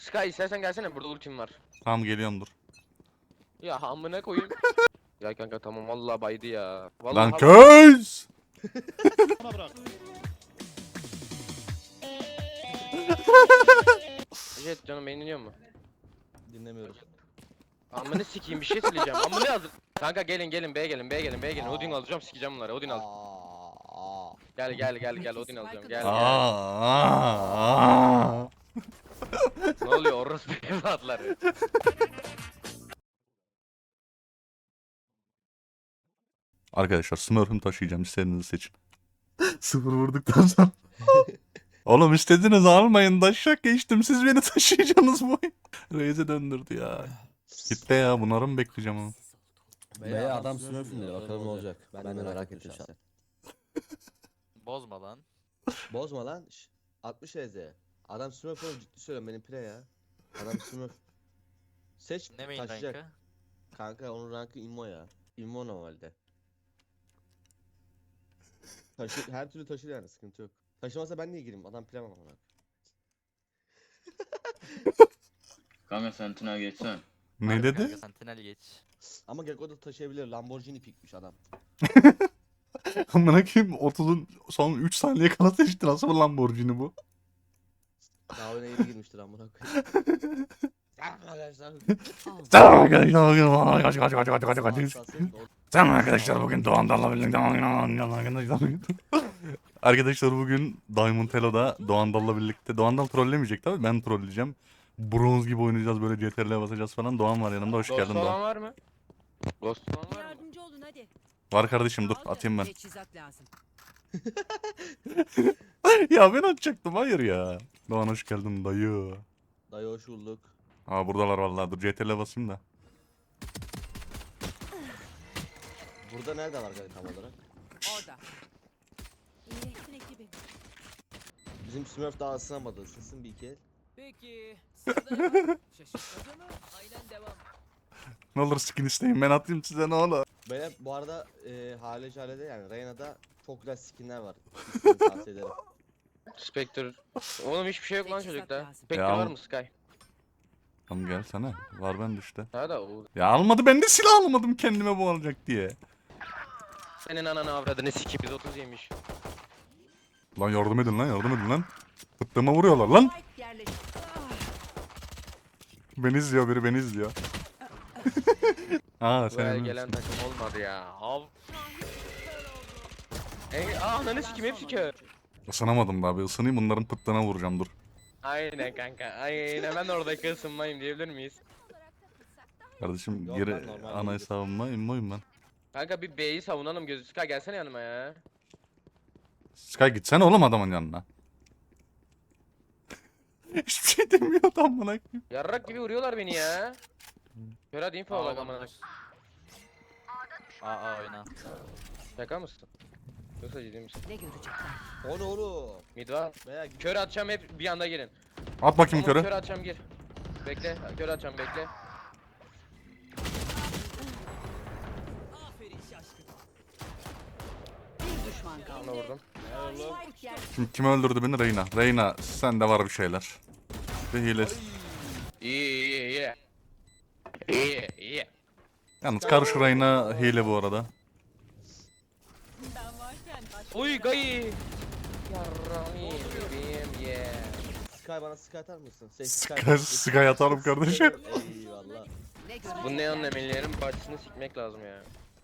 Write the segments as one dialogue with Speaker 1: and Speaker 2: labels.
Speaker 1: Sky istersen gelsene, burada ultim var.
Speaker 2: Tamam geliyorum dur.
Speaker 1: Ya amına koyayım. Ya kanka tamam vallahi baydı ya.
Speaker 2: Lan
Speaker 1: Vallahi
Speaker 2: köz!
Speaker 3: Bana bırak.
Speaker 1: Jet canım beni dinliyor mu?
Speaker 3: Dinlemiyorum.
Speaker 1: Amına sikeyim bir şey söyleyeceğim. Amına yazdım. Kanka gelin B'ye gelin. Odin alacağım, sikeceğim bunları. Odin al. Gel Odin alacağım. Gel.
Speaker 2: Aa.
Speaker 1: Ne oluyor orospu evlatları?
Speaker 2: Arkadaşlar Smurf'ümü taşıyacağım, istediğinizi seçin. Sıfır vurduktan sonra. Oğlum istediniz almayın, taşak geçtim, siz beni taşıyacaksınız bu oyun. Reis'e döndürdü ya. Gitti ya, bunları mı bekleyeceğim ama.
Speaker 4: Veya adam Smurf'ün dedi, bakalım ne olacak. Ben de merak ettim şahsen.
Speaker 5: Bozma lan.
Speaker 4: Bozma lan. 60 EZ. Adam Smurf oğlum, ciddi söylüyorum, benim pre ya. Adam Smurf. Seç,
Speaker 5: Ne main
Speaker 4: taşıyacak.
Speaker 5: rankı?
Speaker 4: Kanka onun rankı immo ya. İmmo normalde. Her türlü taşır yani, sıkıntı yok. Taşımasa ben niye gireyim? Adam pre var ona.
Speaker 6: Kanka Sentinel geçsen.
Speaker 2: Ne
Speaker 5: Harbi
Speaker 2: dedi?
Speaker 5: kanka, Sentinel geç.
Speaker 4: Ama Gekko da taşıyabilir. Lamborghini pikmiş adam.
Speaker 2: Amına koyayım, 30'un son 3 saniye kala seçti, nasıl bir Lamborghini bu?
Speaker 4: Daha oyuna yeni girmiştir amına koyayım. Arkadaşlar.
Speaker 2: Selam arkadaşlar, Selam arkadaşlar, bugün Doğandar'la birlikte Arkadaşlar bugün Diamond Hello'da Doğandar'la birlikte, Doğandar trollemeyecek tabii, ben trolleyeceğim. Bronz gibi oynayacağız, böyle CTRL'e basacağız falan. Doğan var yanımda, hoş
Speaker 1: Ghost
Speaker 2: geldin
Speaker 1: olan
Speaker 2: Doğan.
Speaker 1: var mı? Ghost olan var mı?
Speaker 7: Yardımcı olun hadi.
Speaker 2: Var kardeşim, dur atayım ben.
Speaker 7: Teçhizat lazım.
Speaker 2: Ya ben atacaktım, hayır ya. Doğan hoş geldin dayı.
Speaker 4: Dayı hoş bulduk.
Speaker 2: Aa buradalar vallahi, dur CTRL'e basayım da.
Speaker 4: Burada nerede var kanka tam olarak?
Speaker 7: Orada. İyileşsin ekibim.
Speaker 4: Bizim Smurf daha ısınamadı. Isınsın bir iki el.
Speaker 7: Peki. Sırada ne var? Şaşırtmaca mı? Aynen devam.
Speaker 2: Ne olur skin isteyin, ben atayım size, ne olur.
Speaker 4: Böyle bu arada Hale Jale'de yani Reyna'da çok güzel skinler var. İsmini tavsiye ederim.
Speaker 1: Spectre. Oğlum hiçbir şey yok lan
Speaker 7: Teçhizat
Speaker 1: çocukta.
Speaker 7: lazım.
Speaker 1: Spectre
Speaker 2: Ya
Speaker 1: var
Speaker 2: al.
Speaker 1: mı Sky?
Speaker 2: Tamam gelsene, var bende işte.
Speaker 1: Ha da o.
Speaker 2: Ya almadı, ben de silah almadım kendime bu alacak diye.
Speaker 1: Senin ananı avradını sikeyim, biz 30 yemiş.
Speaker 2: Lan yardım edin lan, yardım edin lan. Fıttığıma vuruyorlar lan.
Speaker 7: Spike yerleşti.
Speaker 2: Beni izliyor biri, beni izliyor. Aa
Speaker 1: Buraya
Speaker 2: sen
Speaker 1: gelen takım olmadı ya. Av. Ananı sikeyim, hepsi kör.
Speaker 2: ısınamadım daha, bir ısınayım, bunların pıttığına vuracağım, dur.
Speaker 1: Aynen kanka. Aynen, ben oradaki ısınmayım diyebilir miyiz?
Speaker 2: Kardeşim
Speaker 4: Yok
Speaker 2: geri
Speaker 4: lan, normal
Speaker 2: ana
Speaker 4: değildir.
Speaker 2: hesabıma immoyum ben.
Speaker 1: Kanka bir B'yi savunalım gözü. Sky gelsene yanıma ya.
Speaker 2: Sky gitsene oğlum adamın yanına. Hiçbir şey demiyor adam bana.
Speaker 1: Yarrak gibi vuruyorlar beni ya. Kör hadi info bak amına.
Speaker 5: Aa oyna.
Speaker 1: Şaka mısın? Yoksa ciddi misin?
Speaker 7: Ne görecekler?
Speaker 4: O ne oğlum?
Speaker 1: Mid var.
Speaker 4: Veya
Speaker 1: Kör atacağım, hep bir anda gelin.
Speaker 2: At bakayım
Speaker 1: Tamam,
Speaker 2: körü.
Speaker 1: Kör atacağım, gir. Bekle, kör atacağım, bekle.
Speaker 7: Aferin şaşkın. Bir düşman kaldı.
Speaker 1: Ona vurdum.
Speaker 7: Spike yerleşti.
Speaker 2: Şimdi kim öldürdü beni? Reyna. Reyna sende var bir şeyler. Bir hile.
Speaker 1: İyi. İyi.
Speaker 2: Yalnız karşı Reyna hile bu arada.
Speaker 7: Ben varken başka
Speaker 1: Uy gayı. Yarrağım bebeğim yeah.
Speaker 4: Sky bana Sky atar mısın?
Speaker 2: Sky atarım kardeşim.
Speaker 4: Eyvallah.
Speaker 7: ne görecekler?
Speaker 1: Bu neon emellerin parçasını sikmek lazım ya.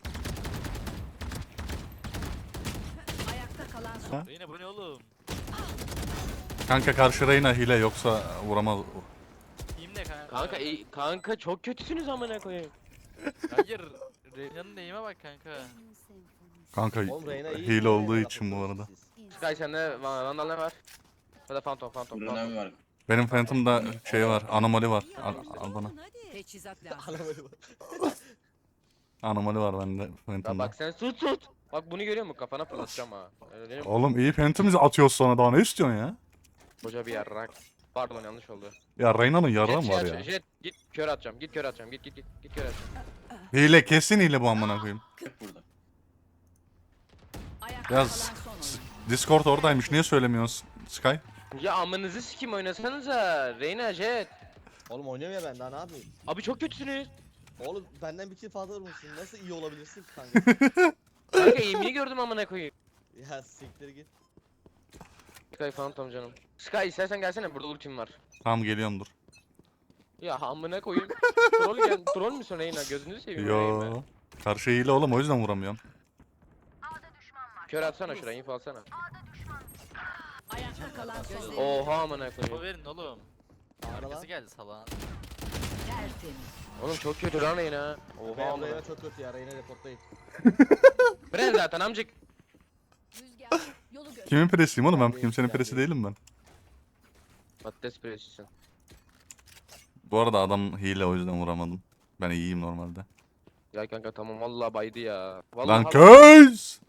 Speaker 7: Ayakta kalan son.
Speaker 5: Yine bu ne oğlum?
Speaker 2: Kanka karşı Reyna hile, yoksa vuramaz.
Speaker 5: Team ne kanka?
Speaker 1: Kanka çok kötüsünüz amına koyayım.
Speaker 5: Hayır. Reyna'nın neyime bak kanka.
Speaker 2: Kanka
Speaker 4: Oğlum Reyna iyi.
Speaker 2: hile olduğu
Speaker 4: Reyna
Speaker 2: için bu arada.
Speaker 4: siz.
Speaker 1: Sky sende Vandal ne var? Ya da Phantom.
Speaker 6: Burada ne var?
Speaker 2: Benim Phantom'da şey var, anomali var. Al bana.
Speaker 7: Teçhizat lazım.
Speaker 4: Anlamadım.
Speaker 2: Anomali var bende
Speaker 1: Ya
Speaker 2: Phantom'da.
Speaker 1: bak sen tut. Bak bunu görüyor musun? Kafana fırlatacağım ha. Öyle değil mi?
Speaker 2: Oğlum iyi Phantom'ı atıyoruz sonra, daha ne istiyorsun ya?
Speaker 1: Koca bir yarrak. Pardon yanlış oldu.
Speaker 2: Ya Reyna'nın yarram
Speaker 1: Jet,
Speaker 2: var
Speaker 1: şey
Speaker 2: ya.
Speaker 1: aç- Jet git kör atacağım. Git kör atacağım. Git kör atacağım.
Speaker 2: Hile, kesin hile bu amına koyayım.
Speaker 6: Burada.
Speaker 7: Ayakta
Speaker 2: Yaz.
Speaker 7: kalan son oyuncu.
Speaker 2: Discord oradaymış, niye söylemiyorsun Sky?
Speaker 1: Ya amınızı sikim oynasanıza. Reyna Jet.
Speaker 4: Oğlum oynuyorum ya ben daha ne yapayım?
Speaker 1: Abi çok kötüsünüz.
Speaker 4: Oğlum benden bir kill fazla vurmuşsun. Nasıl iyi olabilirsin ki kanka?
Speaker 1: Kanka eğimini gördüm amına koyayım.
Speaker 4: Ya siktir git.
Speaker 1: Sky Phantom canım. Sky istersen gelsene, burada ultim var.
Speaker 2: Tamam geliyorum dur.
Speaker 1: Ya amına koyayım. Troll müsün Reyna? Gözünüzü seveyim Reyna.
Speaker 2: Yo. Karşı hile oğlum o yüzden vuramıyorum.
Speaker 1: Kör atsana şuraya, info atsana.
Speaker 7: Ayakta kalan son oyuncu.
Speaker 1: Oha amına
Speaker 5: O
Speaker 1: koyayım.
Speaker 5: verin oğlum.
Speaker 4: Ağla lan.
Speaker 5: Arkası geldi salağın.
Speaker 7: Tertemiz.
Speaker 1: Oğlum çok kötü lan Reyna. Oha
Speaker 4: Benim
Speaker 1: amına.
Speaker 4: Reyna çok kötü ya. Reyna reporttayım.
Speaker 1: Bren zaten amcık.
Speaker 7: Rüzgar yolu göster.
Speaker 2: Kimin presiyim oğlum ben
Speaker 4: Ben
Speaker 2: kimsenin
Speaker 4: değilim,
Speaker 2: presi
Speaker 4: ben
Speaker 2: değilim ben.
Speaker 1: Patates püresisin.
Speaker 2: Bu arada adam hile o yüzden vuramadım. Ben iyiyim normalde.
Speaker 1: Ya kanka tamam vallahi baydı ya. Vallahi
Speaker 2: Lan köz!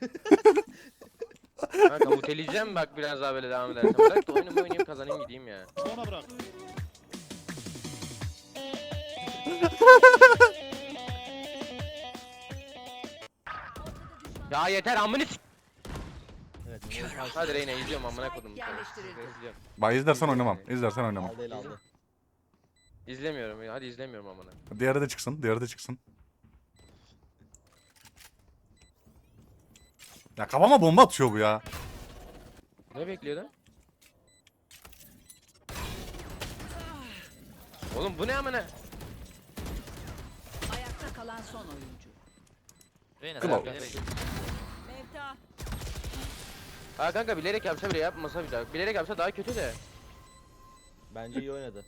Speaker 1: Kanka muteleyeceğim bak biraz daha böyle devam edersen. Bırak da oyunumu oynayayım, kazanayım gideyim ya.
Speaker 3: Bana bırak.
Speaker 1: Ya yeter amını s**.
Speaker 4: Evet.
Speaker 1: Hadi Reyna izliyorum amına kodum.
Speaker 7: Yerleştirildi.
Speaker 1: İzliyorum.
Speaker 2: Bak izlersen oynamam. İzlersen oynamam.
Speaker 4: Aldı el aldı.
Speaker 1: İzlemiyorum. Hadi izlemiyorum amına.
Speaker 2: Diğeri de çıksın. Diğeri de çıksın. Ya kafama bomba atıyor bu ya.
Speaker 1: Ne bekliyordun? Oğlum bu ne amına?
Speaker 7: Ayakta kalan son oyuncu.
Speaker 5: Reyna
Speaker 2: Kim
Speaker 5: sen
Speaker 2: o?
Speaker 5: bilerek.
Speaker 7: Mevta.
Speaker 1: Ha kanka bilerek yapsa bile yapmasa bile. Bilerek yapsa daha kötü de.
Speaker 4: Bence iyi oynadı.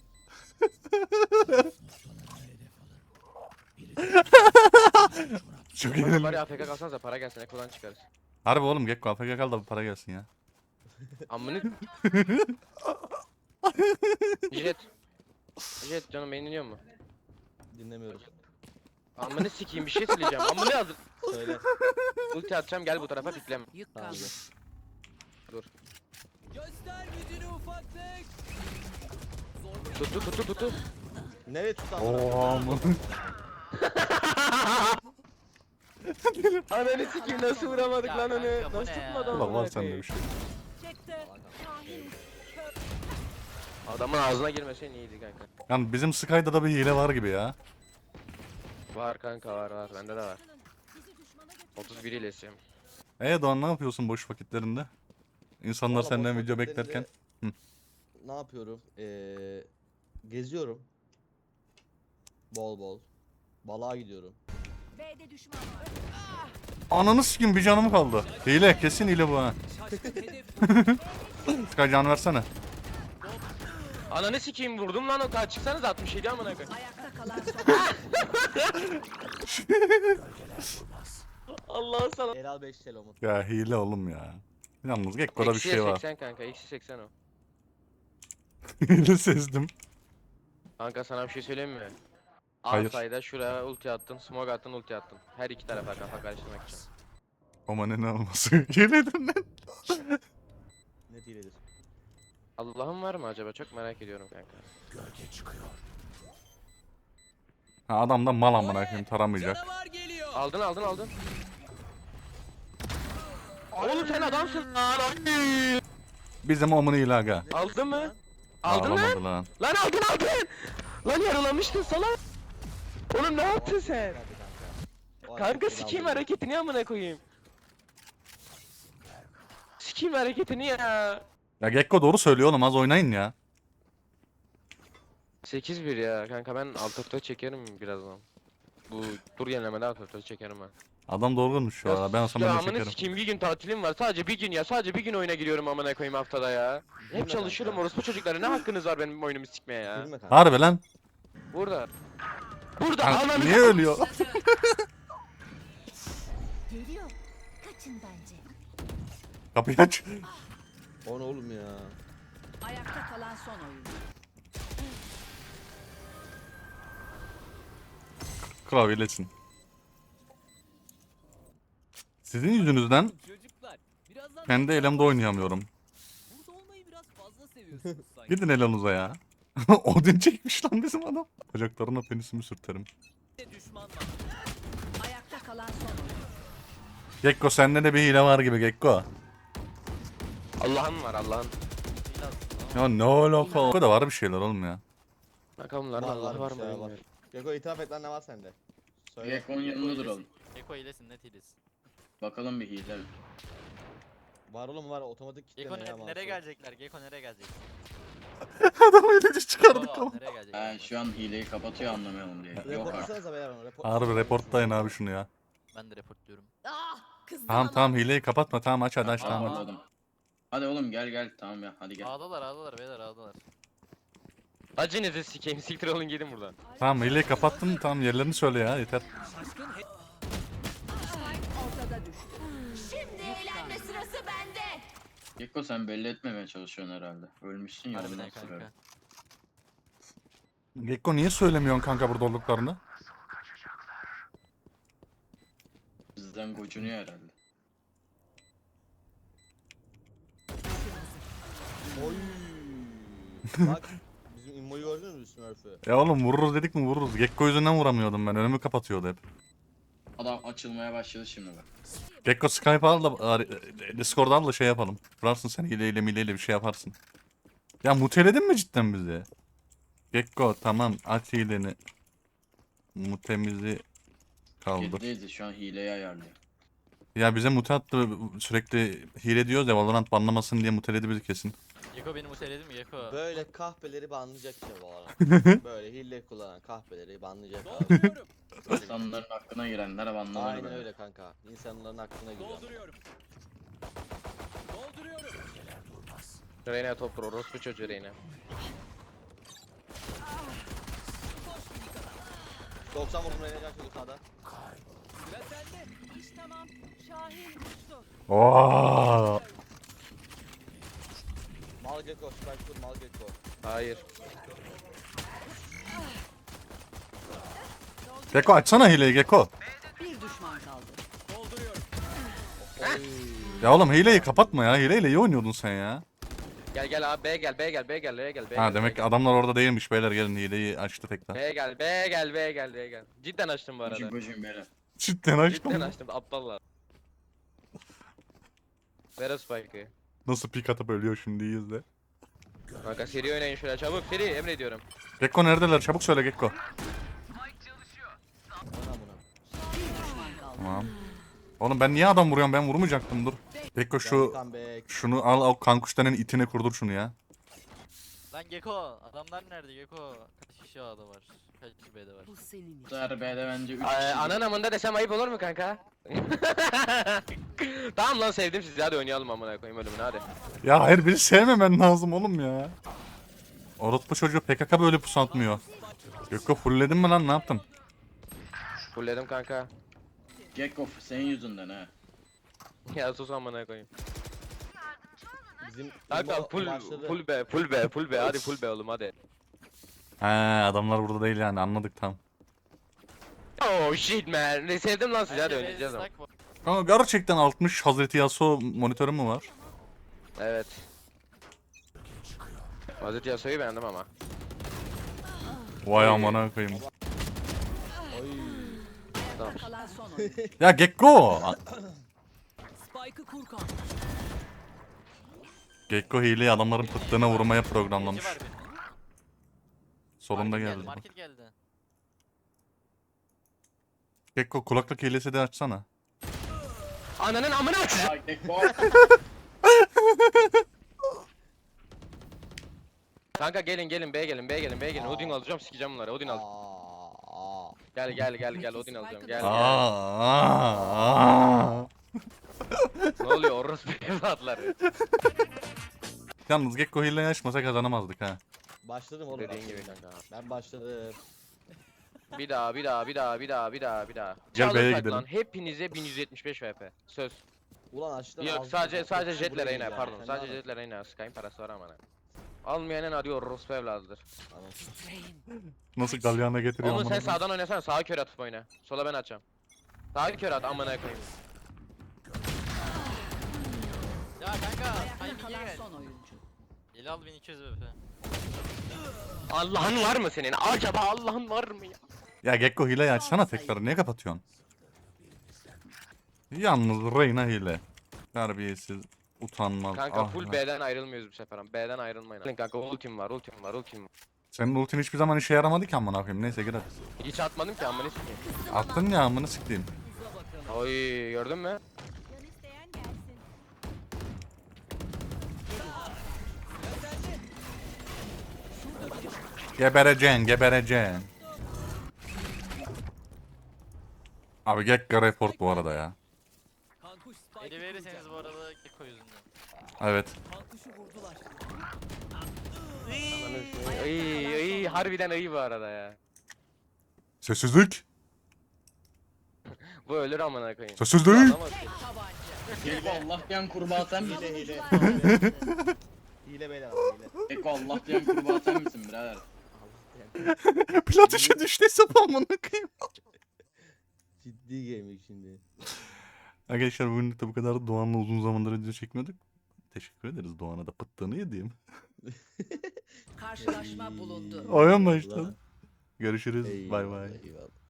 Speaker 2: Çok
Speaker 1: Bari
Speaker 2: iyi.
Speaker 1: AFK kalsanıza para gelsin, ekodan çıkarız.
Speaker 2: Harbi oğlum Gekko AFK kal da bir para gelsin ya.
Speaker 1: Amını... Jet. Jet canım beni dinliyor mu?
Speaker 4: Dinlemiyorum.
Speaker 1: Amını sikeyim bir şey söyleyeceğim. Amını hazır.
Speaker 4: Söyle.
Speaker 1: Ulti atacağım gel bu tarafa pikleme.
Speaker 7: Yük
Speaker 4: Tamam.
Speaker 7: kaldı.
Speaker 1: Dur.
Speaker 7: Göster gücünü ufaklık.
Speaker 1: Tuttu.
Speaker 4: Nereye tutan?
Speaker 2: Oha mı?
Speaker 1: Ananı sikeyim nasıl vuramadık
Speaker 5: Ya
Speaker 1: lan onu?
Speaker 5: kanka, bu
Speaker 1: Nasıl
Speaker 5: ne ya?
Speaker 1: tutmadı
Speaker 2: Ulan
Speaker 1: amına
Speaker 2: var sende
Speaker 1: koyayım?
Speaker 2: bir şey.
Speaker 7: Çekti.
Speaker 1: Adamın ağzına girmesen iyiydi kanka.
Speaker 2: Yani bizim Sky'da da bir hile var gibi ya.
Speaker 1: Var kanka var bende de var. 31 ile istiyorum.
Speaker 2: Doğan ne yapıyorsun boş vakitlerinde? İnsanlar
Speaker 4: Valla
Speaker 2: senden
Speaker 4: boş
Speaker 2: video
Speaker 4: vakitlerinde
Speaker 2: beklerken. Hı.
Speaker 4: Ne yapıyorum? Geziyorum. Bol bol. Balığa gidiyorum.
Speaker 7: B'de düşman var.
Speaker 2: Ananı sikim bir canım kaldı. Hile kesin hile bu ha. Sky can versene.
Speaker 1: Ananı sikeyim vurdum lan o kadar çıksanız 67 amına koyayım.
Speaker 7: Ayakta kalan son oyuncu.
Speaker 1: Allah sana.
Speaker 4: Elal 5 Selom'un.
Speaker 2: Ya hile oğlum ya. Yalnız Gekko'da bir
Speaker 1: Eksiye
Speaker 2: şey var.
Speaker 1: 80 kanka eksi 80 o.
Speaker 2: Hile sezdim.
Speaker 1: Kanka sana bir şey söyleyeyim mi?
Speaker 2: Hayır.
Speaker 1: Alsayda şuraya ulti attın, smoke attın, ulti attın. Her iki tarafa kafa karıştırmak için.
Speaker 2: Ama ne olması. Hiledir lan.
Speaker 4: Ne diyedir?
Speaker 1: Allah'ın var mı acaba? Çok merak ediyorum kanka.
Speaker 2: Ha adam da mal amına koyayım taramayacak.
Speaker 1: Aldın. Oğlum sen adamsın lan.
Speaker 2: Bizim omunu hile aga.
Speaker 1: Aldın mı? Aldın mı?
Speaker 2: Ağlamadı lan.
Speaker 1: Lan aldın. Lan yaralamıştın salak. Oğlum ne yaptın sen?
Speaker 4: O
Speaker 1: Kanka
Speaker 4: hareket
Speaker 1: sikeyim
Speaker 4: Elal
Speaker 1: hareketini amına koyayım. Sikeyim hareketini ya.
Speaker 2: Ya Gekko doğru söylüyor oğlum az oynayın ya.
Speaker 1: 8-1 ya kanka ben alt çekerim birazdan. Bu tur yenilemede alt çekerim ben.
Speaker 2: Adam doğru konuşuyor şu ara. Ben olsam ben de
Speaker 1: amına
Speaker 2: çekerim.
Speaker 1: sikeyim bir gün tatilim var. Sadece bir gün ya. Sadece bir gün oyuna giriyorum amına koyayım haftada ya.
Speaker 4: Gülme
Speaker 1: Hep çalışıyorum
Speaker 4: kanka.
Speaker 1: orospu çocuklara. Ne hakkınız var benim oyunumu sikmeye ya?
Speaker 4: Gülme kanka.
Speaker 2: Harbi lan.
Speaker 1: Burada. Burada
Speaker 2: Kanka,
Speaker 1: ananı
Speaker 2: niye ölüyor?
Speaker 7: Geliyor. Kaçın bence.
Speaker 2: Kapıyı aç.
Speaker 4: O ne oğlum ya?
Speaker 7: Ayakta kalan son oyuncu.
Speaker 2: Kral iyilesin. Sizin yüzünüzden
Speaker 8: Çocuklar, birazdan
Speaker 2: kendi elemde oynayamıyorum.
Speaker 8: burada olmayı biraz fazla seviyorsunuz sanki.
Speaker 2: Gidin elanıza ya. Odin çekmiş lan bizim adam. Bacaklarına penisimi sürterim.
Speaker 8: Düşman var.
Speaker 7: Ayakta kalan son oyuncu.
Speaker 2: Gekko sende de bir hile var gibi Gekko.
Speaker 1: Allah'ın var Allah'ın.
Speaker 2: Ya ne alaka? Bu da var bir şeyler oğlum ya.
Speaker 1: Kanka bunların Allah var
Speaker 4: bir
Speaker 1: mı
Speaker 4: şeyler
Speaker 1: bilmiyorum.
Speaker 4: Geko itiraf et lan ne var sende? Söyle.
Speaker 6: Gekko'nun yanında duralım.
Speaker 5: Eko hilesin net hilesin.
Speaker 6: Bakalım bir hile mi?
Speaker 4: Var oğlum var otomatik kitleme
Speaker 5: Geko
Speaker 4: ya.
Speaker 5: nereye gelecekler? Geko nereye gelecek?
Speaker 2: Adam öyle çıkardık
Speaker 5: Geko
Speaker 2: tamam.
Speaker 5: nereye gelecek?
Speaker 6: Şu an hileyi kapatıyor anlamayalım diye. Yok artık.
Speaker 4: Reportlasanıza beyler onu.
Speaker 2: Harbi reportlayın abi şunu ya.
Speaker 5: Ben de reportluyorum.
Speaker 7: Ah kızdım
Speaker 2: Tamam
Speaker 7: ama.
Speaker 2: tamam hileyi kapatma tamam aç hadi aç
Speaker 6: Aa,
Speaker 2: tamam.
Speaker 6: anladım. Hadi oğlum gel tamam ya hadi gel.
Speaker 5: Ağdalar beyler ağdalar.
Speaker 1: Acınızı sikeyim siktir olun gidin buradan.
Speaker 2: Tamam hileyi kapattın tamam yerlerini söyle ya yeter.
Speaker 7: Ortada düştü. Şimdi eğlenme sırası bende.
Speaker 6: Gekko sen belli etmemeye çalışıyorsun herhalde. Ölmüşsün ya
Speaker 5: Harbiden
Speaker 6: ondan sonra.
Speaker 5: kanka.
Speaker 2: Gekko niye söylemiyorsun kanka burada olduklarını?
Speaker 6: Bizden gocunuyor herhalde.
Speaker 4: Oy. Bak bizim immoyu gördünüz mü Smurf'ü?
Speaker 2: Ya oğlum vururuz dedik mi vururuz. Gekko yüzünden vuramıyordum ben önümü kapatıyordu hep.
Speaker 6: Adam açılmaya başladı şimdi bak.
Speaker 2: Gekko Skype al da Discord'da al da şey yapalım. Vurarsın sen hileyle mileyle bir şey yaparsın. Ya muteledin mi cidden bizi? Gekko tamam aç hileni. Mutemizi kaldır.
Speaker 6: Kedideyiz şu an hileyi ayarlıyor.
Speaker 2: Ya bize mute attı sürekli hile diyoruz ya Valorant banlamasın diye muteledi bizi kesin.
Speaker 5: Geko beni muteledi mi Geko?
Speaker 4: Böyle kahpeleri banlayacak işte bu arada. Böyle hile kullanan kahpeleri banlayacak abi.
Speaker 6: İnsanların hakkına girenler banlamalı
Speaker 4: Aynen
Speaker 6: böyle.
Speaker 4: öyle kanka. İnsanların aklına giriyor.
Speaker 1: Reyna top vur orospu çocuğu Reyna.
Speaker 4: 90 vurdum Reyna can çocuk sağda.
Speaker 7: İş tamam. Şahin uçtu.
Speaker 2: Oo.
Speaker 4: Mal Gecko, Spike kur Mal Gecko.
Speaker 1: Hayır.
Speaker 2: Gekko açsana hileyi Gekko.
Speaker 7: Bir düşman kaldı.
Speaker 2: Ya oğlum hileyi kapatma ya. Hileyle iyi oynuyordun sen ya.
Speaker 1: Gel abi B gel B gel B gel B gel B
Speaker 2: Ha
Speaker 1: gel,
Speaker 2: demek
Speaker 1: B
Speaker 2: ki
Speaker 1: gel.
Speaker 2: adamlar orada değilmiş beyler gelin hileyi açtı tekrar.
Speaker 1: B gel B gel B gel B gel. Cidden açtım bu arada.
Speaker 6: Gocun gocun böyle.
Speaker 2: Cidden açtım.
Speaker 1: Cidden açtım aptallar. Ver o spike'ı.
Speaker 2: Nasıl pik atıp ölüyor şimdi iyi izle.
Speaker 1: Kanka seri oynayın şöyle çabuk seri emrediyorum.
Speaker 2: Gekko neredeler çabuk söyle Gekko.
Speaker 4: Bana buna.
Speaker 7: Bir düşman kaldı.
Speaker 2: Tamam. Oğlum ben niye adam vuruyorum ben vurmayacaktım dur. Gekko şu
Speaker 4: Comeback.
Speaker 2: şunu al o kankuştanın itine kurdur şunu ya.
Speaker 5: Lan Geko adamlar nerede Geko? Kaç kişi A'da var? Kaç kişi B'de var?
Speaker 7: Bu senin
Speaker 6: Bu
Speaker 7: için.
Speaker 6: sefer B'de bence 3 kişi.
Speaker 1: Anan amında desem ayıp olur mu kanka? Tamam lan sevdim sizi hadi oynayalım amına koyayım ölümünü hadi.
Speaker 2: Ya hayır beni sevmemen lazım oğlum ya. Orospu çocuğu PKK böyle pusu atmıyor. Gekko fullledin mi lan ne yaptın?
Speaker 1: Fullledim kanka.
Speaker 6: Gekko senin yüzünden ha.
Speaker 1: Ya sus amına koyayım.
Speaker 4: Bizim
Speaker 1: Kanka
Speaker 4: immo
Speaker 1: full
Speaker 4: başladı.
Speaker 1: full be full be full be hadi full be oğlum hadi.
Speaker 2: He adamlar burada değil yani anladık tamam.
Speaker 1: Oh shit man. Ne sevdim lan sizi hadi
Speaker 5: Bence
Speaker 1: oynayacağız ama.
Speaker 5: stack var.
Speaker 2: Kanka gerçekten 60 Hazreti Yasuo monitörü mü var?
Speaker 1: Evet. Hazreti Yasuo'yu beğendim ama.
Speaker 2: Vay amına koyayım.
Speaker 4: Oy.
Speaker 1: Tamam.
Speaker 7: Kalan son oyun.
Speaker 2: Ya Gekko!
Speaker 7: Spike'ı kur kan.
Speaker 2: Gekko hileyi adamların pıttığına vurmaya programlamış.
Speaker 5: Gece var bir.
Speaker 2: Solunda
Speaker 5: Market
Speaker 2: geldi.
Speaker 5: Market geldi.
Speaker 2: Gekko kulaklık hilesi de açsana.
Speaker 1: Ananın amına aç.
Speaker 6: Ya Gekko.
Speaker 1: Kanka gelin B gelin B gelin B gelin. Odin alacağım sikeceğim bunları. Odin al.
Speaker 4: Aa.
Speaker 1: Gel Odin alacağım. Gel.
Speaker 2: Aa.
Speaker 1: Ne oluyor orospu evlatları?
Speaker 2: Yalnız Gekko hileyi açmasa kazanamazdık ha.
Speaker 4: Başladım oğlum.
Speaker 1: Dediğin
Speaker 4: başladım.
Speaker 1: gibi kanka.
Speaker 4: Ben başladım.
Speaker 1: Bir daha.
Speaker 2: Gel
Speaker 1: Çalın
Speaker 2: B'ye
Speaker 1: tak
Speaker 2: gidelim.
Speaker 1: lan. Hepinize 1175 VP. Söz.
Speaker 4: Ulan açtım.
Speaker 1: Yok
Speaker 4: ağzını
Speaker 1: sadece
Speaker 4: kapattım,
Speaker 1: jetle
Speaker 4: buraya
Speaker 1: Reyna
Speaker 4: ya.
Speaker 1: pardon.
Speaker 4: Sen
Speaker 1: Sadece
Speaker 4: ne
Speaker 1: jetle Reyna. Skype'in parası var ama. Almayanın adı orospu evladıdır.
Speaker 2: Nasıl galyana getiriyor
Speaker 1: Oğlum sen
Speaker 2: amına.
Speaker 1: sağdan oynasana. Sağa kör atıp oyna. Sola ben açacağım. Sağa kör at amına koyayım.
Speaker 5: Ya kanka
Speaker 7: Ayakta
Speaker 5: timing'e
Speaker 7: kalan
Speaker 5: gel.
Speaker 7: son oyuncu.
Speaker 5: Eli al 1200 VP.
Speaker 1: Allah'ın var mı senin? Acaba Allah'ın var mı ya?
Speaker 2: Ya Gekko hileyi açsana tekrar niye kapatıyorsun? Yalnız Reyna hile. Terbiyesiz, utanmaz.
Speaker 1: Kanka
Speaker 2: ah
Speaker 1: full
Speaker 2: lan.
Speaker 1: B'den ayrılmıyoruz bu sefer. B'den ayrılmayın. Kanka ultim var.
Speaker 2: Senin ultin hiçbir zaman işe yaramadı ki amına koyayım. Neyse gir hadi.
Speaker 1: Hiç atmadım ki amına sikeyim.
Speaker 2: Attın ya amına sikeyim.
Speaker 8: Uza bakalım.
Speaker 1: Oy gördün mü?
Speaker 7: Can isteyen gelsin.
Speaker 2: Gebereceksin, gebereceksin. Abi Gekko report bu arada ya.
Speaker 8: Kankuş Spike'ı
Speaker 5: Eli verirseniz
Speaker 8: kuracak.
Speaker 5: bu arada Gecko yüzünden.
Speaker 2: Evet.
Speaker 8: Kankuşu vurdular.
Speaker 1: Ananı sikeyim. Ay harbiden iyi bu arada ya.
Speaker 2: Sessizlik.
Speaker 1: Bu ölür amına koyayım.
Speaker 2: Sessizlik.
Speaker 1: Alamaz ki.
Speaker 6: Geko Allah diyen kurbağa sen misin?
Speaker 4: Hile. Hile beyler ama hile.
Speaker 6: Geko Allah diyen kurbağa sen misin birader?
Speaker 2: Plat işe düştü hesap amına koyayım.
Speaker 4: Ciddi gaming şimdi.
Speaker 2: Arkadaşlar bugünlük de bu kadar. Doğan'la uzun zamandır video çekmiyorduk. Teşekkür ederiz Doğan'a da pıttığını yediğim.
Speaker 7: Karşılaşma bulundu.
Speaker 2: Oyun başladı. Görüşürüz. Bay bay.
Speaker 4: Eyvallah.